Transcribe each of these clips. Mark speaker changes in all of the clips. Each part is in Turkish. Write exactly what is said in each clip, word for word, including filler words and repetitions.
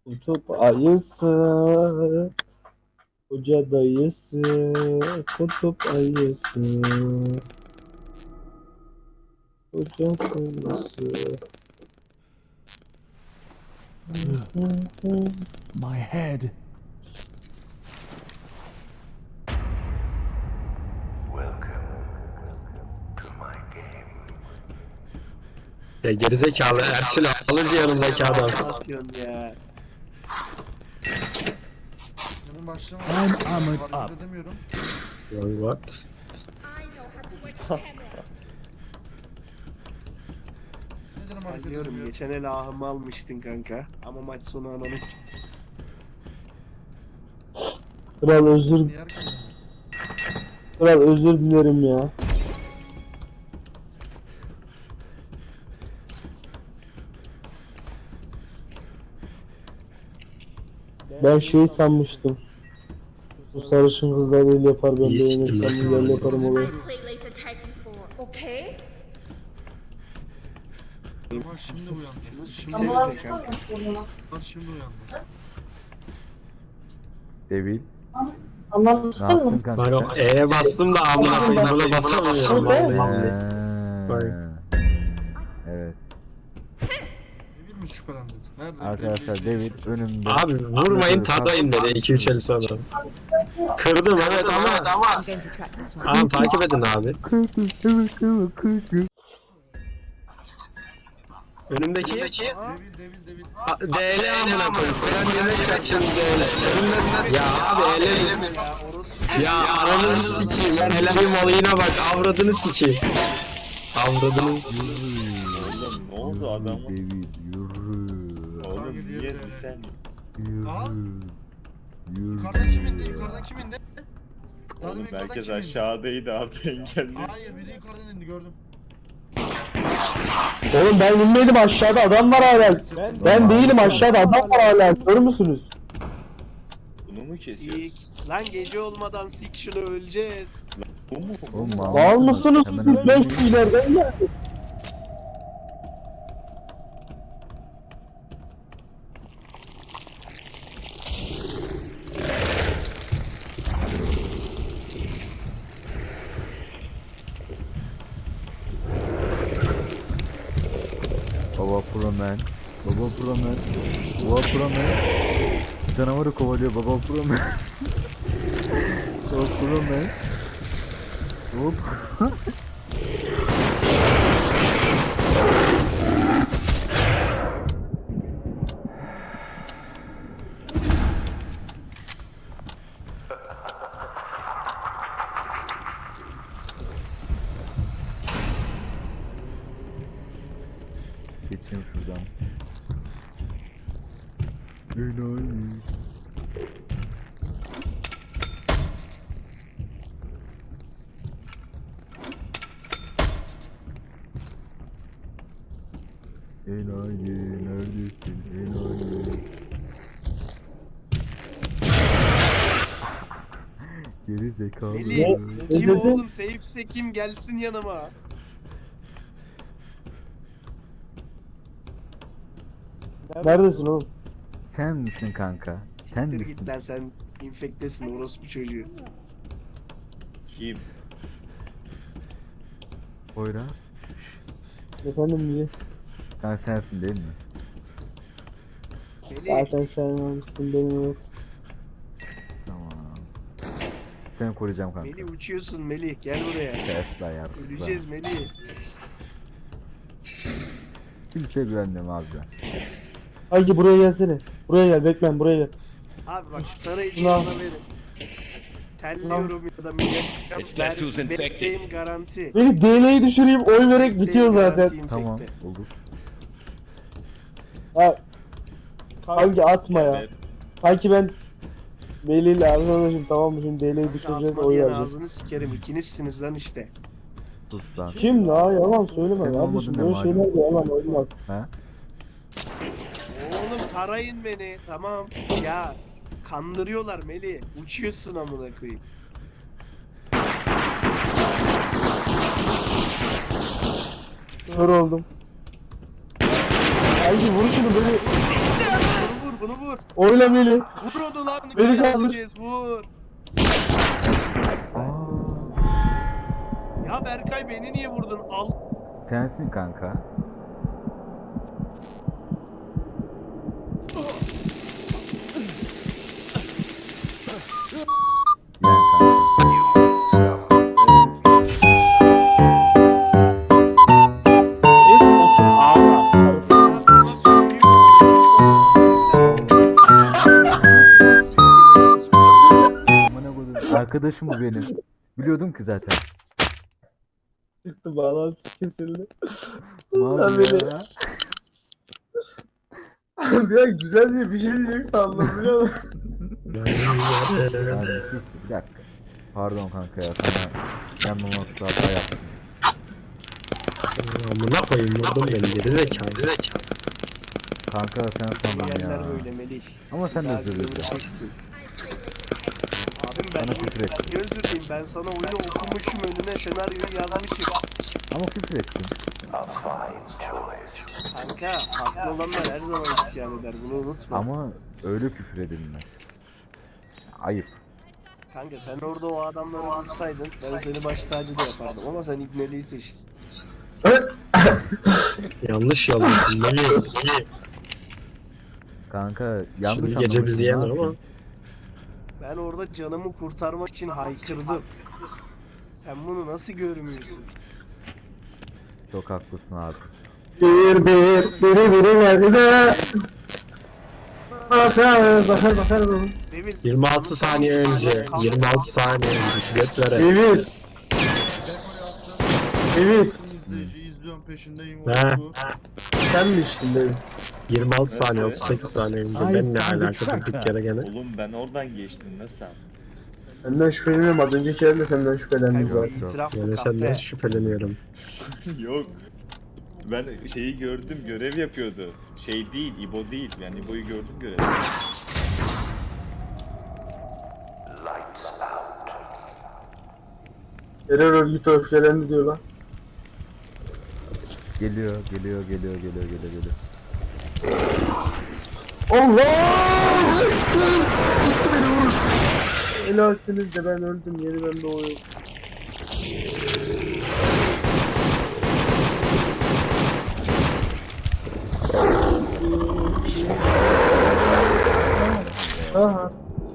Speaker 1: Kutup ayısı, koca dayısı, kutup ayısı, koca dayısı.
Speaker 2: My head.
Speaker 3: Ya gerizekalı Ersin alıcı yanındaki adam.
Speaker 4: Ne yapıyorsun ya?
Speaker 5: Benim başlama.
Speaker 2: I'm armored
Speaker 5: Hareket
Speaker 2: up.
Speaker 5: edemiyorum.
Speaker 3: What?
Speaker 5: Neden hareket
Speaker 4: Anlıyorum,
Speaker 5: edemiyorum?
Speaker 4: geçen el ahımı almıştın kanka. Ama maç sonu ananı s***.
Speaker 1: Kral özür,
Speaker 5: Niye hareket edemiyorum?
Speaker 1: kral özür dilerim ya. Ben şey sanmıştım. Bu sarışın kızlar el yapar, ben
Speaker 3: İyi
Speaker 1: beğenirsem
Speaker 3: siktir
Speaker 1: güzel yaparım olur.
Speaker 6: Playlist attack before, okay?
Speaker 5: Ama şimdi uyandı. Şimdi
Speaker 4: Ama
Speaker 5: uyandı.
Speaker 4: kanka.
Speaker 5: Şimdi uyandı.
Speaker 7: Devil.
Speaker 6: Anlamadın
Speaker 7: Ne yaptın
Speaker 6: mı?
Speaker 7: kanka
Speaker 3: Ben o
Speaker 7: sen?
Speaker 3: E'ye bastım da amına koyayım buna basamıyorum vallahi. Bak.
Speaker 7: Eee, Evet.
Speaker 5: Devil mi şüphelendi? Nerede?
Speaker 7: Arkadaşlar
Speaker 5: Devil-
Speaker 7: Devil önümde.
Speaker 3: Abi vurmayın tadayın dedi iki üç el sonra. Kırdım evet ama
Speaker 6: I'm going to track this one.
Speaker 3: tamam takip edin abi. Önümdeki
Speaker 5: Devil, devil, devil.
Speaker 3: D L amına koyayım. Ben yemek yapacağım D L. Önümde ya abi elim.
Speaker 4: Ya orospu.
Speaker 3: Ya aranızı sikeyim. Ben helalimin olayına bak. Avradını sikeyim. Avradını.
Speaker 8: Ne oldu adam?
Speaker 7: Devil yürü.
Speaker 8: Oğlum
Speaker 5: Hangi diğeri
Speaker 8: niye
Speaker 5: de öyle?
Speaker 8: sen?
Speaker 5: Aha.
Speaker 7: Yürü. Yürü.
Speaker 5: Yukarıdan kim indi? Yukarıdan kim indi? Daha
Speaker 8: Oğlum
Speaker 5: demin yukarıdan
Speaker 8: herkes
Speaker 5: kim indi?
Speaker 8: aşağıdaydı abi engelli.
Speaker 5: Hayır, biri yukarıdan indi, gördüm.
Speaker 1: Oğlum ben inmedim, aşağıda adam var hala. Ben değilim, aşağıda adam var hala. Görür müsünüz?
Speaker 8: Bunu mu kesiyoruz?
Speaker 4: Sik. Lan gece olmadan sik şunu, öleceğiz.
Speaker 8: Bu mu?
Speaker 7: Oğlum, mal
Speaker 1: Var
Speaker 7: mısın?
Speaker 1: mısınız
Speaker 7: Hemen
Speaker 1: siz? Ben
Speaker 7: önümde.
Speaker 1: şu ileriden geldim.
Speaker 7: Baba Promen. Baba Promen. Baba Promen. Canavarı kovalıyor Baba Promen. Baba Promen. Hop. Geçeyim şuradan. Enayi. Enayi neredesin enayi? Geri zekalı.
Speaker 4: Melih.
Speaker 1: Ne
Speaker 4: Kim
Speaker 1: dedin?
Speaker 4: oğlum? Safe'se kim? Gelsin yanıma.
Speaker 1: Neredesin oğlum?
Speaker 7: Sen misin kanka? Sen
Speaker 4: Siktir
Speaker 7: misin?
Speaker 4: git lan, sen infektesin orospu çocuğu.
Speaker 8: Kim?
Speaker 7: Poyraz.
Speaker 1: Efendim niye?
Speaker 7: Sen sensin değil mi?
Speaker 4: Melih.
Speaker 1: Zaten sen almışsın benim, evet.
Speaker 7: Tamam. Seni koruyacağım kanka.
Speaker 4: Melih uçuyorsun Melih, gel buraya.
Speaker 7: Tesla ya.
Speaker 4: Öleceğiz Melih.
Speaker 7: Kimseye güvenmiyorum abi ben.
Speaker 1: Hangi buraya gelsene. Buraya gel, beklen buraya gel.
Speaker 4: Abi bak şu tarayıcıyı
Speaker 1: Ulan.
Speaker 4: bana verin. Telliyorum ya da millet. Ben bekleyim garanti.
Speaker 1: Beni D L'yi düşüreyim, oy vererek bitiyor zaten.
Speaker 4: Garanti
Speaker 7: Tamam
Speaker 4: infekte.
Speaker 7: olur.
Speaker 1: Ha. Hangi atma ya.
Speaker 8: Evet.
Speaker 1: Kanki ben Veli ile arkadaşım, tamam mı, şimdi D L'yi düşüreceğiz,
Speaker 4: Atma
Speaker 1: oy
Speaker 4: diyen
Speaker 1: vereceğiz.
Speaker 4: ağzını sikerim, ikinizsiniz lan işte.
Speaker 7: Sus lan.
Speaker 1: Kim la, yalan söyleme
Speaker 7: Senin
Speaker 1: kardeşim,
Speaker 7: olmadığın
Speaker 1: böyle
Speaker 7: ne
Speaker 1: şeyler de yalan olmaz.
Speaker 7: Ha?
Speaker 4: Oğlum tarayın beni, tamam. Ya kandırıyorlar Melih. Uçuyorsun amına koyayım.
Speaker 1: Kör oldum. Kanki vur şunu, beni.
Speaker 4: Vur vur bunu vur.
Speaker 1: Oyla Melih.
Speaker 4: Vur onu lan.
Speaker 1: Beni kaldır.
Speaker 4: Öldüreceğiz, vur.
Speaker 7: Aa,
Speaker 4: Ya Berkay beni niye vurdun? Al.
Speaker 7: sensin kanka. Ben kanka.
Speaker 1: Neyse otur ağla. Sarı.
Speaker 4: Ya sana söylüyorum.
Speaker 7: Amına koydum. Arkadaşım bu benim. Biliyordum ki zaten.
Speaker 1: Çıktı bağlantısı kesildi.
Speaker 7: Mal
Speaker 1: Lan beni.
Speaker 7: ya.
Speaker 1: Bir an güzel diye bir şey diyecek sandım biliyor musun?
Speaker 7: Yani sus, bir dakika. Pardon kanka ya sana yanmamakta hata yaptım.
Speaker 3: Amına koyayım vurdum beni geri zekalı.
Speaker 7: Kanka sen sandın
Speaker 4: Yerler
Speaker 7: ya.
Speaker 4: böyle Melih.
Speaker 7: Ama sen de
Speaker 4: Daha
Speaker 7: özür diledin.
Speaker 4: göreceksin. Abim ben
Speaker 7: Bana küfür ettin.
Speaker 4: Niye özür dileyim? Ben sana oyunu okumuşum, önüne senaryoyu yazmışım.
Speaker 7: Ama küfür ettin.
Speaker 4: Kanka haklı olanlar her zaman isyan eder, bunu unutma.
Speaker 7: Ama öyle küfür edilmez. Ayıp.
Speaker 4: Kanka sen orada o adamları vursaydın ben seni baş tacı da yapardım ama sen İbneli'yi seçtin.
Speaker 3: Yanlış yanlış. Melih.
Speaker 7: Kanka yanlış
Speaker 3: Şimdi gece bizi
Speaker 7: anlamışsın,
Speaker 3: yener
Speaker 7: ne
Speaker 3: ama.
Speaker 7: yapayım?
Speaker 4: Ben orada canımı kurtarmak için haykırdım. Sen bunu nasıl görmüyorsun?
Speaker 7: Çok haklısın abi.
Speaker 1: Bir bir biri biri geldi de. Bakar bakar bakar.
Speaker 4: Devil,
Speaker 3: yirmi altı saniye önce. yirmi altı saniye önce. Göt vere.
Speaker 1: Devir.
Speaker 5: Dekoyu attım.
Speaker 1: Devir.
Speaker 5: İzleyici izliyorum peşindeyim.
Speaker 3: He.
Speaker 5: Bu.
Speaker 1: Sen mi içtin Devir?
Speaker 3: yirmi altı saniye otuz sekiz saniye önce. Ben ne alaka durduk yere gene.
Speaker 8: Oğlum ben oradan geçtim nasıl?
Speaker 1: Senden şüpheleniyorum. Az önceki yerde senden şüphelendim
Speaker 4: kanka
Speaker 1: zaten.
Speaker 4: itiraf bu
Speaker 3: Yani senden
Speaker 4: kahpe.
Speaker 3: şüpheleniyorum.
Speaker 8: Yok. Ben şeyi gördüm görev yapıyordu. Şey değil İbo değil yani İbo'yu gördüm görev.
Speaker 1: Terör örgütü öfkelendi diyor lan.
Speaker 7: Geliyor, geliyor, geliyor, geliyor, geliyor, geliyor.
Speaker 1: Allah! Beni vur. Helalsiniz de ben öldüm. Yeniden doğuyorum. Aha.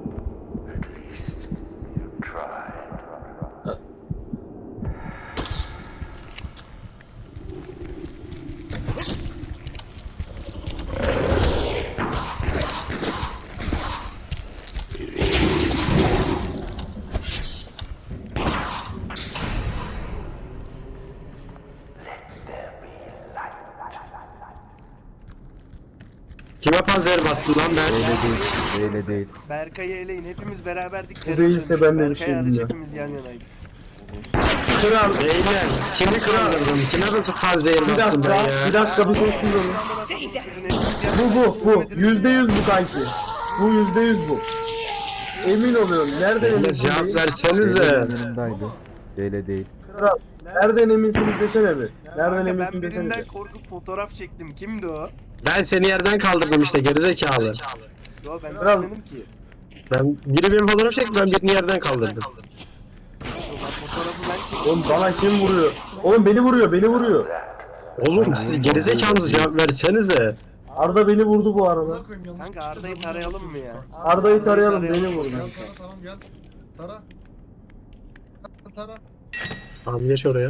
Speaker 3: Kime panzer bastın lan ben?
Speaker 7: Öyle değil, öyle değil.
Speaker 4: Berkay'ı eleyin, hepimiz beraberdik.
Speaker 1: Bu
Speaker 4: terör
Speaker 1: değilse
Speaker 4: dönüştü.
Speaker 1: ben de bir
Speaker 4: Berkay
Speaker 1: şey
Speaker 4: hariç
Speaker 1: bilmiyorum.
Speaker 4: hepimiz yan yanaydık.
Speaker 1: Kral.
Speaker 3: Beyler kimi kırardım? Kime nasıl panzer
Speaker 1: Bir
Speaker 3: bastım ben
Speaker 1: dakika,
Speaker 3: ya?
Speaker 1: bir dakika bir sessiz olun. Bu bu, bu. Yüzde yüz bu kanki. Bu yüzde yüz bu. Emin oluyorum. Nereden
Speaker 3: Beyler
Speaker 1: eminsiniz?
Speaker 3: cevap versenize.
Speaker 7: Yanımdaydı. Öyle değil.
Speaker 1: Kral. Nereden eminsiniz desene bir. Nereden
Speaker 4: Kanka ben
Speaker 1: eminsin desene
Speaker 4: birinden
Speaker 1: bir.
Speaker 4: korkup fotoğraf çektim. Kimdi o?
Speaker 3: Ben seni yerden kaldırdım işte gerizekalı.
Speaker 4: Yo ben
Speaker 1: Kral.
Speaker 4: düşünmedim ki.
Speaker 3: Ben biri benim fotoğraf çekti ben birini yerden kaldırdım.
Speaker 4: Yo, ben fotoğrafı ben çektim.
Speaker 1: Oğlum bana kim vuruyor? Oğlum beni vuruyor, beni vuruyor.
Speaker 3: Oğlum siz gerizekalınız cevap versenize.
Speaker 1: Arda beni vurdu bu arada.
Speaker 5: Buna koyayım yanlış
Speaker 4: Kanka
Speaker 5: çıktı,
Speaker 4: Arda'yı
Speaker 5: W
Speaker 4: tarayalım mı
Speaker 5: basıyorsun.
Speaker 4: ya?
Speaker 1: Arda'yı tarayalım, beni
Speaker 4: tarayalım.
Speaker 1: vurdu.
Speaker 5: Gel tara tamam gel. Tara. Tara.
Speaker 3: Tamam geç oraya.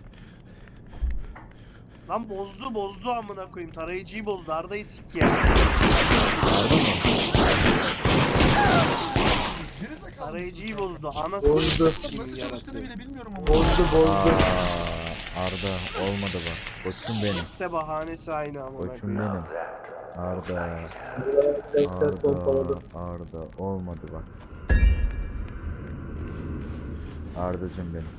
Speaker 4: Lan bozdu bozdu amına koyayım. Tarayıcıyı bozdu. Arda'yı sik ya.
Speaker 5: Gerizekalı
Speaker 4: Tarayıcıyı
Speaker 5: mısın?
Speaker 4: bozdu. Anasını
Speaker 1: Bozdu.
Speaker 4: sikeyim
Speaker 5: Nasıl
Speaker 4: yarattı.
Speaker 5: çalıştığını bile bilmiyorum ama.
Speaker 1: Bozdu, bozdu.
Speaker 7: Aa, Arda olmadı bak. Koçum benim.
Speaker 4: İşte bahanesi aynı amına
Speaker 7: Koçum
Speaker 4: koyayım.
Speaker 7: benim. Arda.
Speaker 1: Sesler pompaladı.
Speaker 7: Arda. Arda olmadı bak. Ardacım benim.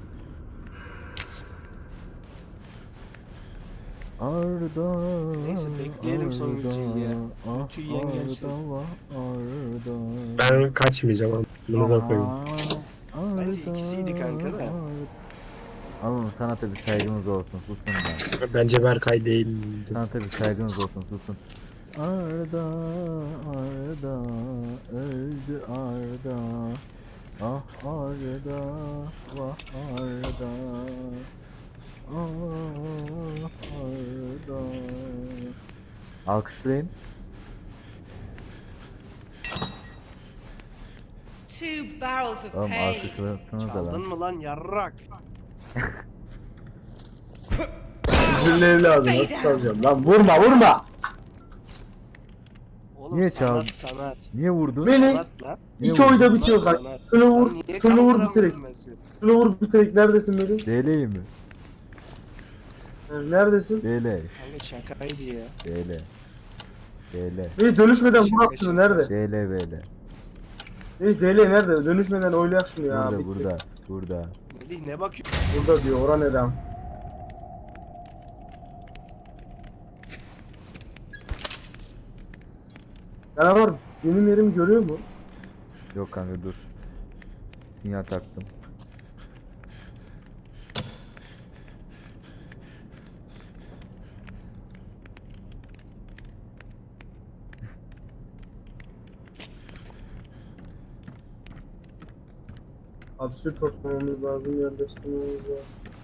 Speaker 7: Arda.
Speaker 4: Neyse, bekleyelim son
Speaker 7: Arda,
Speaker 4: Gülçin'i ya.
Speaker 7: ah,
Speaker 4: Gülçin yiyen gelsin.
Speaker 7: Arda, Arda.
Speaker 3: Ben kaçmayacağım amınıza koyayım.
Speaker 4: Bence ikisiydi kanka da.
Speaker 7: Oğlum sanata bir saygınız olsun susun ben.
Speaker 3: Bence Berkay değil.
Speaker 7: Sanata bir saygınız olsun susun. Arda, arda. Ah arda, vah arda. Ah arda. Alkışlayın.
Speaker 6: Two barrels of
Speaker 7: Oğlum
Speaker 6: pain.
Speaker 7: alkışlasanız da
Speaker 4: Çaldın
Speaker 7: lan.
Speaker 4: mı lan yarrak?
Speaker 1: Üzülü evladı nasıl çalacağım lan vurma vurma.
Speaker 4: Oğlum
Speaker 7: Niye
Speaker 4: sanat
Speaker 7: çaldın?
Speaker 4: sanat.
Speaker 7: Niye vurdun?
Speaker 1: Beni
Speaker 4: Sanat lan.
Speaker 7: Niye
Speaker 1: iki
Speaker 7: vurdun?
Speaker 1: oyda bitiyor
Speaker 4: Sanat,
Speaker 1: kanka.
Speaker 4: sanat.
Speaker 1: Şunu vur,
Speaker 4: Lan niye
Speaker 1: şunu vur
Speaker 4: kaldıramıyorum
Speaker 1: bitirek.
Speaker 4: ben seni?
Speaker 1: Şunu vur bitirek. Neredesin benim?
Speaker 7: D L'yi mi?
Speaker 1: Neredesin?
Speaker 7: D L.
Speaker 4: Kanka şakaydı ya.
Speaker 7: D L. D L.
Speaker 1: Hey dönüşmeden
Speaker 4: Şaka,
Speaker 1: vur şunu
Speaker 4: şaka.
Speaker 1: nerede?
Speaker 7: D L B L.
Speaker 1: Hey D L nerede? Dönüşmeden oylayak şunu ya.
Speaker 7: Burada
Speaker 1: bitti.
Speaker 7: burada. Burada.
Speaker 4: Melih ne bakıyorsun?
Speaker 1: Burada diyor oran edem. Canavar benim yerimi görüyor mu?
Speaker 7: Yok kanka dur. Sinyal taktım.
Speaker 1: Absürt toplamamız lazım, yerleştirmemiz lazım.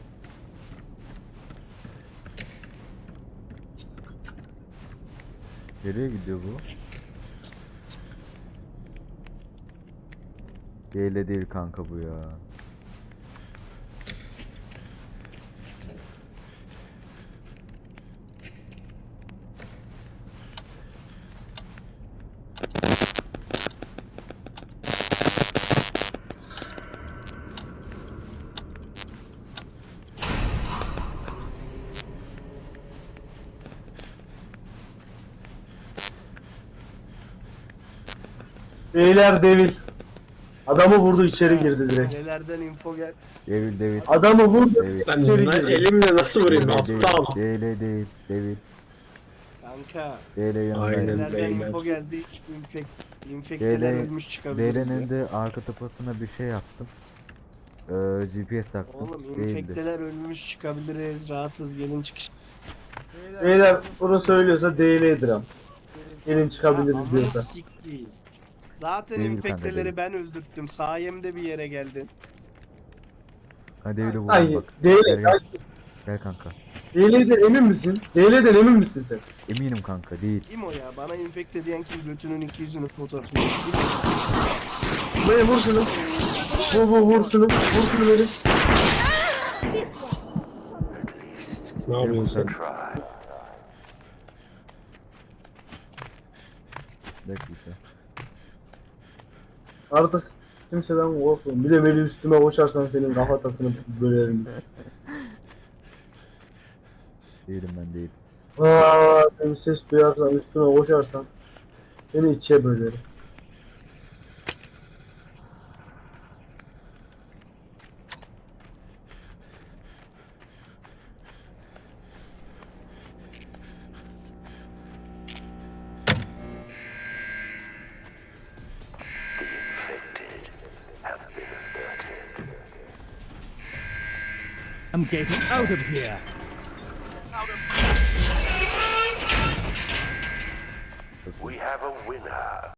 Speaker 7: Nereye gidiyor bu? D L değil kanka bu ya.
Speaker 1: Beyler devil. Adamı vurdu içeri girdi direkt.
Speaker 4: Nelerden info gel.
Speaker 7: Devil devil.
Speaker 1: Adamı vurdu
Speaker 7: Devil.
Speaker 3: Ben
Speaker 1: içeri
Speaker 3: bunları
Speaker 1: girdi.
Speaker 3: elimle nasıl vurayım?
Speaker 7: Devil
Speaker 3: Aptal.
Speaker 7: değil. D L değil. Devil.
Speaker 4: Kanka.
Speaker 7: D L yanındayım.
Speaker 3: Aynen.
Speaker 4: Nelerden
Speaker 3: beyler.
Speaker 4: info geldi. İnfek, infekteler
Speaker 7: D L
Speaker 4: ölmüş çıkabiliriz ya.
Speaker 7: D L'nin de arka tapasına bir şey yaptım. Ee, G P S taktım.
Speaker 4: Oğlum
Speaker 7: Değildi.
Speaker 4: infekteler ölmüş çıkabiliriz. Rahatız gelin çıkış.
Speaker 1: Beyler bunu söylüyorsa D L'dir am. Gelin çıkabiliriz
Speaker 4: Amına
Speaker 1: diyorsa.
Speaker 4: siktiğim. Zaten
Speaker 7: Değil kanka,
Speaker 4: infekteleri
Speaker 7: değil.
Speaker 4: ben öldürttüm. Sayemde bir yere geldin.
Speaker 7: Hadi Devil'i vuralım
Speaker 1: Hayır
Speaker 7: bak.
Speaker 1: D
Speaker 7: Gel,
Speaker 1: L.
Speaker 7: gel. Gel kanka.
Speaker 1: D L'den emin misin? D L'den emin misin sen?
Speaker 7: Eminim kanka değil.
Speaker 4: Kim o ya? Bana infekte diyen kim? Götünün iki yüzünü fotoğrafını. Kim?
Speaker 1: Buraya vur şunu. Vur vur vur şunu. Vur şunu verin.
Speaker 3: Ne yapıyorsun sen?
Speaker 7: Bekle.
Speaker 1: Artık kimseden korkmuyorum. Bir de beni üstüme koşarsan senin kafatasını bölerim.
Speaker 7: Değilim ben değil.
Speaker 1: Aa, bir ses duyarsan üstüme koşarsan seni ikiye bölerim.
Speaker 2: I'm getting out of here.
Speaker 9: We have a winner.